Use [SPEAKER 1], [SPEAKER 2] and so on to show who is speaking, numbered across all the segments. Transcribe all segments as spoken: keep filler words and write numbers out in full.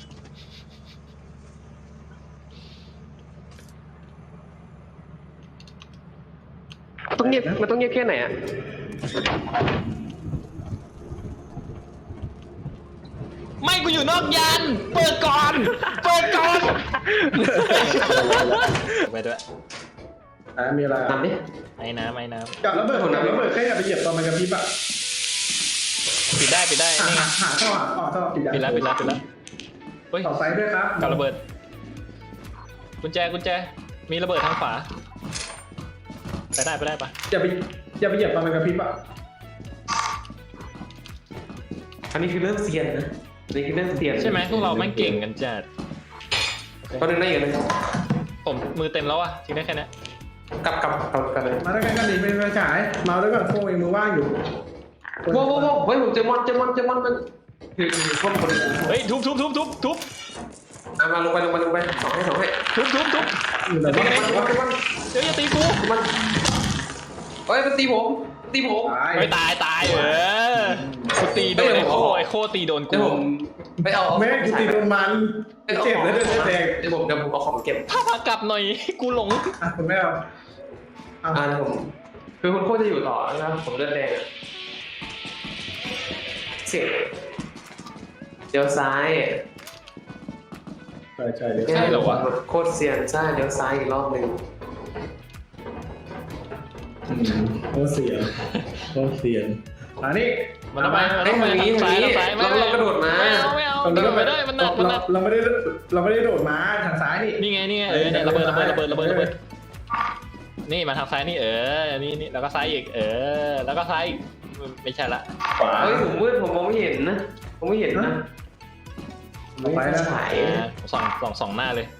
[SPEAKER 1] ต้องเงียบมันต้องเงียบแค่ไหนอ่ะ
[SPEAKER 2] ไม่กูอยู่นอกยานเปิดก่อนเปิดก่อนไปด้วย
[SPEAKER 3] อ่ามีอะไร
[SPEAKER 1] ทำดิ
[SPEAKER 2] ไอ้น้ำไอ้น้
[SPEAKER 3] กับระเบิดของน้ำระเบิดแค่อย่าไปเหยียบตอนมันกระพริบอ่ะ
[SPEAKER 2] ำปิดได้ปิดได้
[SPEAKER 3] หา
[SPEAKER 2] นี่ไง
[SPEAKER 3] หาหาท่อหาท่อท่อปิด
[SPEAKER 2] ปิดแล้วปิดแล้วปิดแล้วเฮ้ย
[SPEAKER 3] ต่อไฟด้วยครับ
[SPEAKER 2] กับระเบิดกุญแจกุญแจมีระเบิดทางขวาไปได้ไปได้ปะ
[SPEAKER 3] อย่าไปอย่าไปเหยียบตอนมันกระพริบอ่ะ
[SPEAKER 1] อันนี้คือเรื่องเซียนนะอันนี้คือเรื่องเซียน
[SPEAKER 2] ใช่ไหมพวกเราแม่งเก่งกันจัด
[SPEAKER 1] ตอนนึงได้อยู่เลย
[SPEAKER 2] ผมมือเต็มแล้วอะทิ้งได้แค่นี้
[SPEAKER 1] กลับกลับกลับกันเลย
[SPEAKER 3] มาด้วยกันกันดิไม่ไม่ฉายมาด้วยกันโค้งเองมือว่างอยู่
[SPEAKER 1] ว้าวว้าวเฮ้ยผมเจอมอนเจอมอนเจอมอนมันคือคือพวกคน
[SPEAKER 2] เฮ้ยทุบทุบทุบทุบทุบ
[SPEAKER 1] อ่ะมาลงไปลงไปลงไปสองให้สองให้
[SPEAKER 2] ทุบทุบทุบ
[SPEAKER 3] อยู่ไหน
[SPEAKER 1] มัน
[SPEAKER 3] บ้าง
[SPEAKER 1] มันมัน
[SPEAKER 2] เดี๋ยวอย่าตีกู
[SPEAKER 1] มันเฮ้ยมันตีผมตีผม
[SPEAKER 3] ตาย
[SPEAKER 2] ไม่ตายตายเออกูตีโดนไอ้โคไอ้โคตีโดน
[SPEAKER 1] เดี๋ยว
[SPEAKER 2] กู
[SPEAKER 1] ผมไปเอา
[SPEAKER 3] แม่กูตีโดนมันเจ็บเลยด้วยแดง
[SPEAKER 1] เดี๋ยวผมเดี๋ยวผมเอาของเก็บ
[SPEAKER 2] พามากลับหน่อยกูหลง
[SPEAKER 3] อ่ะคุณแม่เอาเอา
[SPEAKER 1] อ่าผมคือคุณโคตรจะอยู่ต่อนะครับผมเลือดแดงเสียเดี๋ยวซ้าย
[SPEAKER 3] ใช่ใช่เลย
[SPEAKER 2] ใช่เหรอวะ
[SPEAKER 1] โคตรเซียนใช่เดี๋ยวซ้ายอีกรอบหนึ่ง
[SPEAKER 3] โคตรเสียนโคตรเสียนอันนี้
[SPEAKER 2] มันต้องไปมันต้องไปทางซ้ายทางซ้ายไม่ไม่ไม่เอาไม่เอากระโดดไม่ได้มันหนักมันหนัก
[SPEAKER 3] เราไม่ได้เราไม่ได้โดดมาทางซ้ายนี่
[SPEAKER 2] นี่ไงนี่ไงเออเนี่ยระเบิดระเบิดระเบิดระเบิดระเบิดนี่มาทางซ้ายนี่เออนี่นี่แล้วก็ซ้ายอีกเออแล้วก็ซ้ายอีกไม่ใช่ละขวา
[SPEAKER 1] เฮ้ยผมมืดผมมองไม่เห็นนะผมไม่เห็นนะ
[SPEAKER 3] ไปนะ
[SPEAKER 1] ฉาย
[SPEAKER 2] อ่าสองสองสองหน้าเลย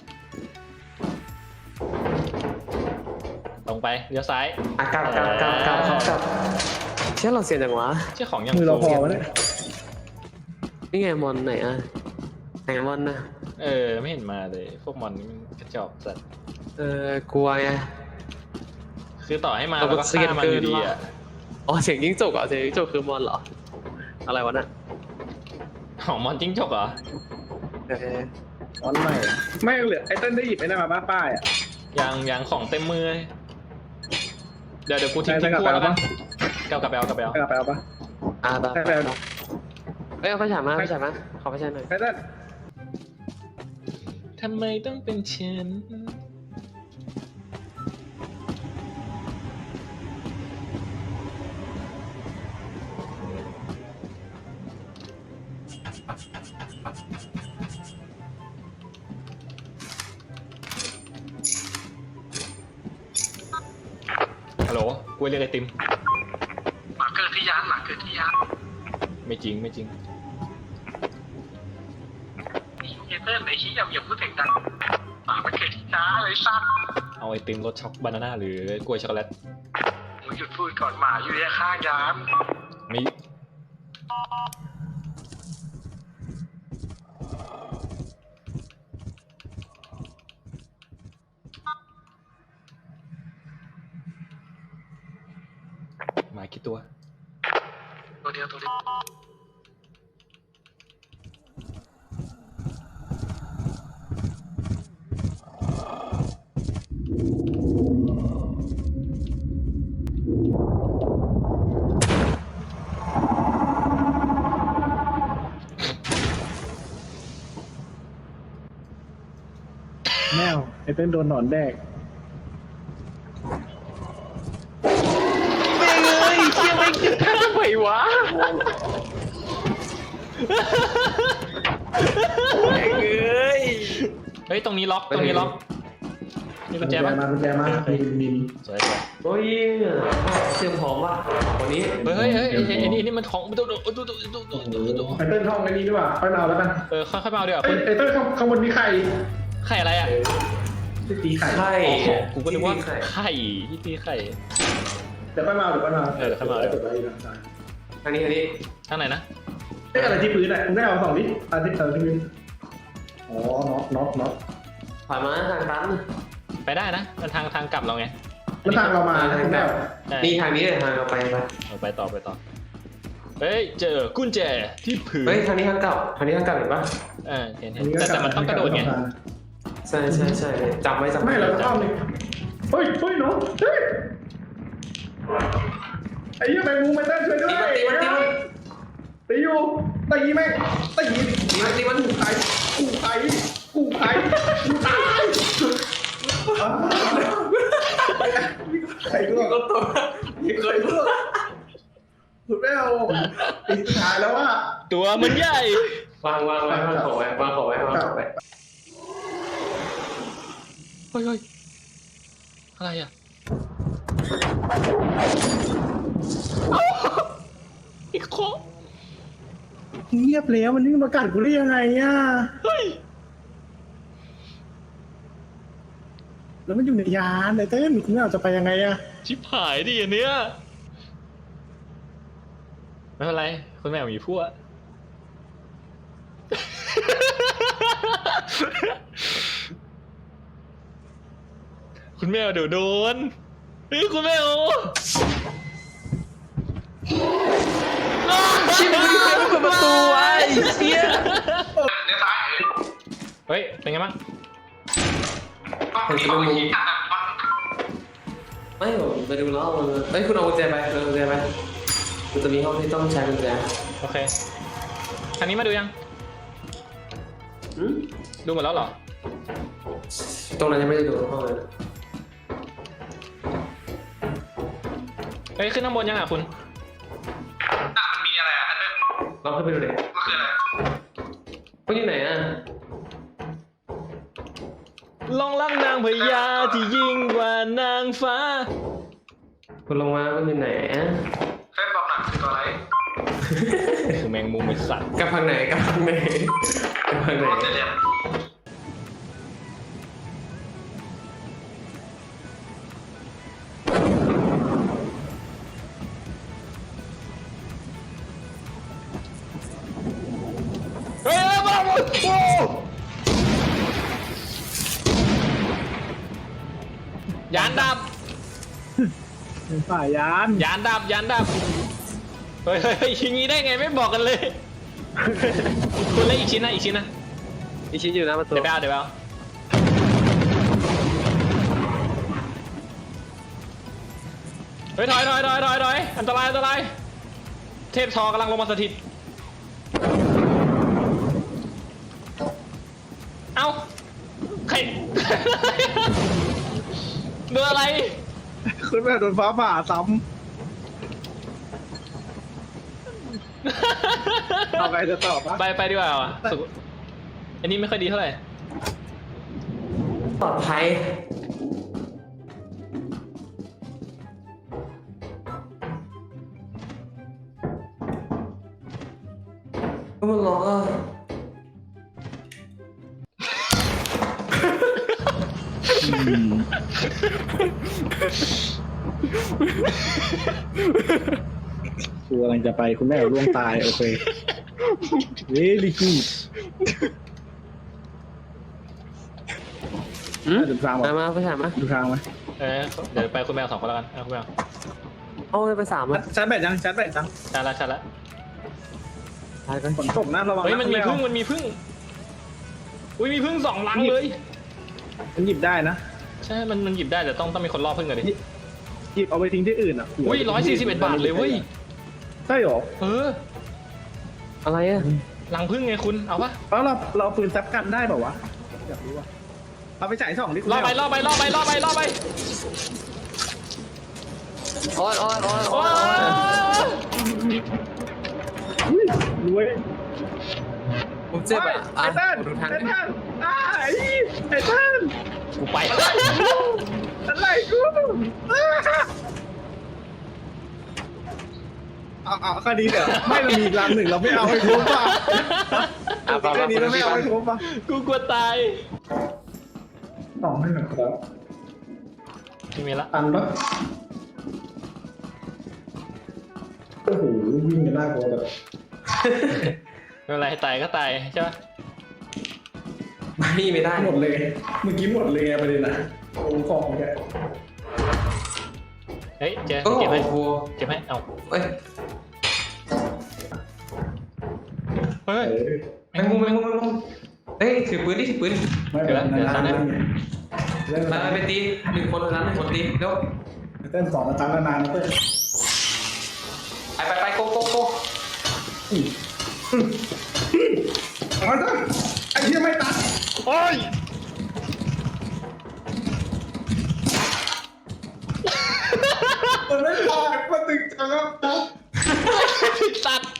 [SPEAKER 2] ตรงไปเลี้ยวซ้าย
[SPEAKER 1] อ่ะกลับกลับกลับกลับกลับกลับเชื่อเราเซียนจังวะ
[SPEAKER 2] เชื่อของยัง
[SPEAKER 3] มือเราพอวะเนี่ย
[SPEAKER 1] นี่ไงมอนไหนอ่ะไหนมอนนะ
[SPEAKER 2] เออไม่เห็นมาเลยพวกมอนนี่มันกระจอกสัตว์
[SPEAKER 1] เออกลัวไง
[SPEAKER 2] คือต่อให้มาเราก็ฆ่ามันอยู่ดีอ่ะ
[SPEAKER 1] อ๋อเสียงยิ่งจกเหรอเสียงยิ่งจกคือมอนเหรออะไรวะน่ะ
[SPEAKER 2] ของมอนจิ้งจกเหรอ
[SPEAKER 1] เออ
[SPEAKER 3] ออนใหม่ไม่เหลือไอ้เต้นได้หยิบไอ้นั่นมาป้าป้ายอ่ะ
[SPEAKER 2] ยังยังของเต็มมือเลยเดี๋ยวเดี๋ยวกูทิ้งทิ้งขั้วแล้วกันเกากลับไปเอากลับไปเอา
[SPEAKER 3] ไปเอาไปเอาปะ
[SPEAKER 1] อ่าตา
[SPEAKER 3] ไปเอา
[SPEAKER 1] เอ้ยเอาไฟฉายมาไฟฉายมาขอไฟฉายหน่อย
[SPEAKER 3] ไอ้เต้น
[SPEAKER 2] ทำไมต้องเป็นฉันฮัลโหลกูเรียกไอติม
[SPEAKER 4] หมาเกิดที่ยานหมาเกิดที่ยาน
[SPEAKER 2] ไม่จริงไม่จริง
[SPEAKER 4] เฮเตอร์ไอ้ชี้อย่าอย่าพูดเสียงดังหมามันเกิดที่ยานเลยสั้น
[SPEAKER 2] เอาไอติมรสช็อกบานาน่าหรือกล้วยช็อกโกแลต
[SPEAKER 4] มึงหยุดพูดก่อนหมาอยู่ในข้างยาน
[SPEAKER 2] มีหมากี่ตัว
[SPEAKER 4] ตัวเดียวตัวเดียว
[SPEAKER 3] แมวไอ้เต้นโดนหนอนแดก
[SPEAKER 1] ไม่เลยเชี่ยไม่คิดท่าไหววะแม่งเอ้ย
[SPEAKER 2] เฮ้ยตรงนี้ล็อกตรงนี้ล็อกนี่กุญแจปะ
[SPEAKER 3] มากุญแจมามีมีมี
[SPEAKER 2] สวยสวย
[SPEAKER 1] โอ้ยเตรียมพร้อมว่ะวันนี้
[SPEAKER 2] เฮ้ยเฮ้ยเฮ้ยไอ้ไอ้ไอ้นี่นี่มันของดูดูดูดูดูดูดูดู
[SPEAKER 3] ไอ้เต้นท่องไอ้นี้ดีกว่าค่อยมาเอาแล้วกัน
[SPEAKER 2] เออค่อยๆมาเอาดีกว่า
[SPEAKER 3] ไอ้
[SPEAKER 2] คุณ
[SPEAKER 3] ไอ้เต้นข้างข้างบนมีไข่
[SPEAKER 2] ไข่อะไรอ่ะ
[SPEAKER 3] ที่ตีไข่
[SPEAKER 1] ไข่
[SPEAKER 2] กูก็นึกว่าไข่ที่ตีไข่
[SPEAKER 3] เดี๋ยวค่อยมาเอาเดี๋ยวค่อยมา
[SPEAKER 2] เออเดี๋ยวค่อยมา
[SPEAKER 3] เดี๋ยวไปอีกทาง
[SPEAKER 1] ทางนี้ทางนี้
[SPEAKER 2] ข้างไหนนะ
[SPEAKER 3] เอ้ยอะไรที่พื้นอ่ะคุณได้เอาสองดิอะไรที่อะไรที่พื้นอ๋อน็อตน็อตน็อต
[SPEAKER 1] ผ่านมาทางตัน
[SPEAKER 2] ไปได้นะมันทางทางกลับเราไง
[SPEAKER 3] แล้วทางเรามา
[SPEAKER 1] ทาง
[SPEAKER 3] คุณ
[SPEAKER 1] แบ
[SPEAKER 3] ได้
[SPEAKER 1] บนี่ทางนี้เลยทางเราไปไป
[SPEAKER 2] เอาไปต่อไปต่อไปเฮ้ยเจอกุญแจที่พื้น
[SPEAKER 1] เฮ้ยทางนี้ทางเก่าทางนี้ทางเก่าเห็นปะ
[SPEAKER 2] เออเห็นเห็นแต่แต่มันต้องกระโดดไง
[SPEAKER 1] ใช่ใช่ใช่จับไว้จับ
[SPEAKER 3] ไม่เราจะ
[SPEAKER 1] จั
[SPEAKER 3] เข้าเลยเฮ้ยเฮ้ยน้องเฮ้ยไอ้เหี้ยแมงมุมไม่ได้ช่วยด้วย
[SPEAKER 1] ตีมันตีมันตีมัน
[SPEAKER 3] ตีอยู่ตีแม่งตี
[SPEAKER 1] ตีมันตีมัน
[SPEAKER 3] กูใครกูใครกูใครกูตายใครก็
[SPEAKER 1] ก็ตัวมีเคย
[SPEAKER 3] สุดแล้วตีสุดท้ายแล้วว่า
[SPEAKER 2] ตัวมันใหญ่
[SPEAKER 1] วางวางไว้วางของไว้วางของไว้วางของไว้
[SPEAKER 2] เฮ้ยเฮ้ยอะไรอ่ะอีกโค
[SPEAKER 3] เงียบแล้วมันนี่มากัดกูได้ยังไงอ่ะ
[SPEAKER 2] เฮ้ย
[SPEAKER 3] แล้วมันอยู่ในยานไอ้เต้นคุณเอาจะไปยังไงอ่ะ
[SPEAKER 2] ชิบหายดิอันเนี้ยไม่เป็นไรคุณแม่มีพวก คุณแมวเดี๋ยวโดนเฮ้ยคุณแมว
[SPEAKER 1] ชิบหายไม่เปิดประตูไอ้เชี่ย
[SPEAKER 4] เดี๋ยวซ้าย
[SPEAKER 2] เฮ้ยเป็นไงบ้าง
[SPEAKER 4] ต้องมีคนชี้กันนะ
[SPEAKER 1] ไม่ผมไปดูแล้วมันเฮ้ยคุณเอากุญแจไปเอากุญแจไปมันจะมีห้องที่ต้องใช้กุญแจ
[SPEAKER 2] โอเคทางนี้มาดูยัง
[SPEAKER 1] อืม
[SPEAKER 2] ดูหมดแล้วเหรอ
[SPEAKER 1] ตรงนั้นยังไม่ได้ดูห้องเลย
[SPEAKER 2] เฮ้ยขึ้นข้างบนยังอ่ะคุณ
[SPEAKER 4] น่ะมันมีอะไรอ่ะอันนั้น
[SPEAKER 1] ลองขึ้นไปดูดิ
[SPEAKER 4] มันคืออะไร
[SPEAKER 1] คุณอยู่ไหนอ่ะ
[SPEAKER 2] ลองรักนางพญาที่ยิ่งกว่านางฟ้า
[SPEAKER 1] คุณลงมาคุณอยู่ไหนอ่ะ
[SPEAKER 4] เส้นบอกหนักคือตัวอะไร
[SPEAKER 2] คือแมงมุมไอ้สัตว์
[SPEAKER 1] กับทางไหนกับทางไหนกับทางไหน
[SPEAKER 4] โรเตเลียน
[SPEAKER 2] เฮ้ยมาหมดโอ้ยานดับ
[SPEAKER 3] ฝ่ายยาน
[SPEAKER 2] ยานดับยานดับเฮ้ยเฮ้ยเฮ้ยอย่างงี้ได้ไงไม่บอกกันเลย คุณเล่นอีกชิ้นนะอีกชิ้นนะ
[SPEAKER 1] อีชิ้นอยู่หน้าประตู
[SPEAKER 2] เดี๋ยวไปเอาเดี๋ยวไปเอาเฮ้ยถอยถอยถอยถอยถอยอันตรายอันตรายเทพทอกำลังลงมาสถิตเอ้าใคร โดนอะไร
[SPEAKER 3] คุณแม่โดนฟ้าผ่าซ้ำเอาไงจะตอบปะ
[SPEAKER 2] ไปไปดีกว่าว่ะสุขอันนี้ไม่ค่อยดีเท่าไหร่
[SPEAKER 1] ปลอดภัยก็มันร้องอ่ะ
[SPEAKER 3] กูกำลังจะไปคุณแม่ร่วงตายโอเคเฮ้ยลิคิด
[SPEAKER 1] อืม
[SPEAKER 3] ดูทาง
[SPEAKER 1] มา
[SPEAKER 3] มา
[SPEAKER 1] มาไปถามมา
[SPEAKER 3] ดูทางไหม
[SPEAKER 2] เออเดี๋ยวไปคุณแมวสองคนแล้วกันเอาคุณแมว
[SPEAKER 1] เอาไปสามอ่ะ
[SPEAKER 3] ชาร์จแบตยังชาร์จแบตยัง
[SPEAKER 2] ชัดละชัดละ
[SPEAKER 1] ไปไป
[SPEAKER 3] ฝนตกนะระวัง
[SPEAKER 2] เฮ้ย
[SPEAKER 3] นะ
[SPEAKER 2] มันมีพึ่งมันมีพึ่งอุ้ยมีพึ่งสองลังเลย
[SPEAKER 3] มันหยิบได้นะ
[SPEAKER 2] ใช่มันมันหยิบได้แต่ต้องต้องมีคนล่อพึ่งกันดิ
[SPEAKER 3] หยิบเอาไปทิ้งที่อื่นอ่ะ
[SPEAKER 2] อุ้ยร้อยสี่สิบเอ็ดบาทเลยเว้ย
[SPEAKER 3] ใช่หรอ
[SPEAKER 2] เออ
[SPEAKER 1] อะไรอ่ะ
[SPEAKER 2] ลังพึ่งไงคุณเอาปะ
[SPEAKER 3] แล้วเราเราปืนแซปกันได้เปล่าวะอยากรู้ว่ะเอาไปจ่ายสองดิคุณ
[SPEAKER 2] ล่อไป
[SPEAKER 3] แม่
[SPEAKER 2] ล่อไปล่อไปล่อไปล่อไป
[SPEAKER 1] โอ้ยโอ้ยโอ้ย
[SPEAKER 2] โอ้
[SPEAKER 1] โอ้ย
[SPEAKER 3] อุ้ยรวย
[SPEAKER 1] ผมเจ็บอ่ะ
[SPEAKER 3] ไอ้เต้น
[SPEAKER 1] ดูทาง
[SPEAKER 3] ไอ้เต้นไอ้ไอ้เต้น
[SPEAKER 2] กูไป
[SPEAKER 3] อะไรกูเอาเอาแค่นี้เดี๋ยวไม่เรามีอีกรังหนึ่งเราไม่เอาให้ครบป่ะแค่นี้เราไม่เอาให้ครบป่ะ
[SPEAKER 2] กูกลัวตาย
[SPEAKER 3] ต่อให้หน่อยครับ
[SPEAKER 2] ไม่มีละ
[SPEAKER 3] ตันปะโอ้โหวิ่งกันหน้ากลัวแบบ
[SPEAKER 2] ไม่เป็นไรตายก็ตายใช่ปะ
[SPEAKER 1] ไม่ไม่ได้
[SPEAKER 3] หมดเลยเมื่อกี้หมดเลยไงประเด็นอะโอ้ของแก
[SPEAKER 2] เฮ้ยเจอ
[SPEAKER 1] โอ้
[SPEAKER 2] เก็บให้
[SPEAKER 1] โห
[SPEAKER 2] เก็บให้เอา
[SPEAKER 1] เอ้ย
[SPEAKER 2] เฮ้ย
[SPEAKER 1] แมงมุมแมงมุมแมงมุมเฮ้ยถือปืนดิถือปืน
[SPEAKER 3] ไม่เป็นไรนะเล่น
[SPEAKER 1] มาไปตีหนึ่งคนเท่านั้นหนึ่งคนตีเร็ว
[SPEAKER 3] เต้นสองอาจารย์นานๆนะเต้น
[SPEAKER 1] ไปไปไปโกโกโก
[SPEAKER 3] เอาจ้ะไอ้เหี้ยไม่ตัด
[SPEAKER 2] โอ้ย
[SPEAKER 3] มันไม่พอมันตึงจังครับ
[SPEAKER 2] สัตว์